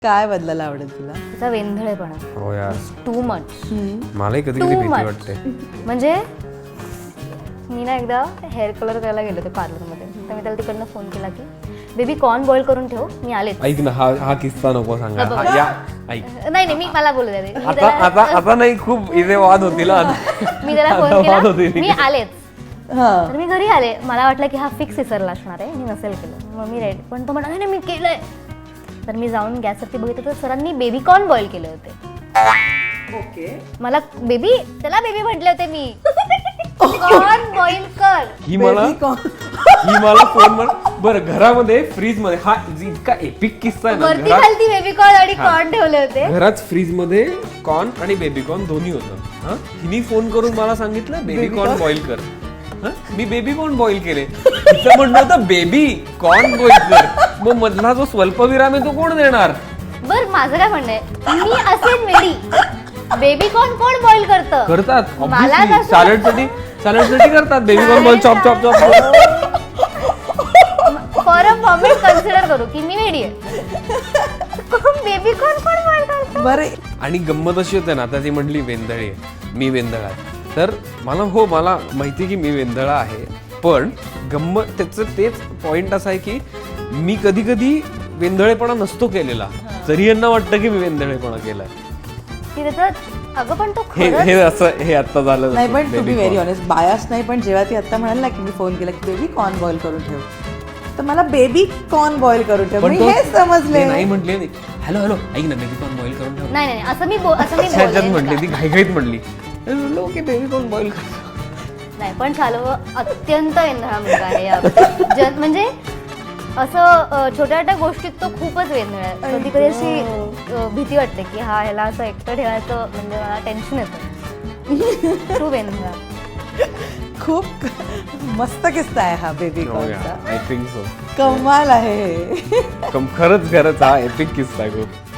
काय बदलायला आवडेल तुला? तिचा वेंधळेपणा. हो यार, टू मच. मलाही कधी कधी भीती वाटते. म्हणजे मी ना एकदा हेअर कलर करायला गेले होते पार्लरमध्ये, तर मी त्याला तिकडनं फोन केला की बेबी कॉर्न बॉईल करून ठेव, मी आले. ऐक ना, हा किस्सा नको सांगा. हा, या ऐक. नाही मी मला बोलू दे. आता नाही, खूप इथे वाद होतील. मी त्याला फोन केला, मी आलेच. तर मी घरी आले, मला वाटलं की हा फिक्स विसरला असणार आहे, मी नसेल केलं. मग मी रेडी, पण तो म्हणाला नाही मी केलंय. तर मी जाऊन गॅसवरती बघितलं तर सरांनी बेबी कॉर्न बॉईल केले होते. ओके. मला त्याला बेबी म्हटले होते मी. कॉर्न बॉईल कर. ही मला फोन बरं घरामध्ये फ्रीज मध्ये हा इतका एपिक किस्सा आहे वरती ना. खालती बेबी कॉर्न आणि कॉर्न ठेवले होते. घरात फ्रीज मध्ये कॉर्न आणि बेबी कॉर्न दोन्ही होतं. हिने फोन करून मला सांगितलं बेबी कॉर्न बॉईल कर. मी बेबी कॉर्न बॉईल केले. तिचं म्हणणं होतं बेबी कॉर्न बॉईल कर. मग मधला जो स्वल्पविराम आहे तो कोण देणार? बर माझं काय म्हणणं आहे, मी असेल वेडी, बेबी कॉर्न कोण बॉईल करतात मला सॅलडसाठी करतात. Baby corn boil chop chop chop. For a moment consider करू की मी वेडी आहे. बेबी कॉर्न कोण बॉईल करतं? बरे. आणि गंमत अशी होते ना, आता ती म्हटली वेंधळी आहे, मी वेंधळा आहे. तर मला माहिती की मी वेंधळा आहे, पण गंमत त्याचं तेच पॉइंट असा आहे की मी कधी कधी वेंधळेपणा नसतो केलेला, तरी यांना वाटतं की मी वेंधळेपणा केलाय. की त्याचं अगं पण तो हे आता झालं नाही, पण to be very honest bias नाही, पण जेव्हा ती आता म्हणाल ना की मी फोन केला की बेबी कॉर्न बॉईल करून ठेव, तर मला बेबी कॉर्न बॉईल करून ठेव मी हे समजले. नाही म्हटले, हॅलो ऐक ना बेबी कॉर्न बॉईल करून ठेव. नाही असं मी बोलले म्हटली ती घाईघाईत म्हटली. ओके बेबी कॉर्न बॉईल कर. नाही पण चालू अत्यंत वेंधळा मुलगा आहे. म्हणजे असं छोट्या छोट्या गोष्टीत तो खूपच वेंधळा आहे. कधी कधी अशी भीती वाटते की ह्याला असं एकटं ठेवायचं म्हणजे मला टेन्शन येतं. खूप वेंधळा. खूप मस्त किस्सा आहे हा बेबी कॉर्नचा. I think so. कमाल आहे. खरंच हा एपिक किस्सा आहे खूप.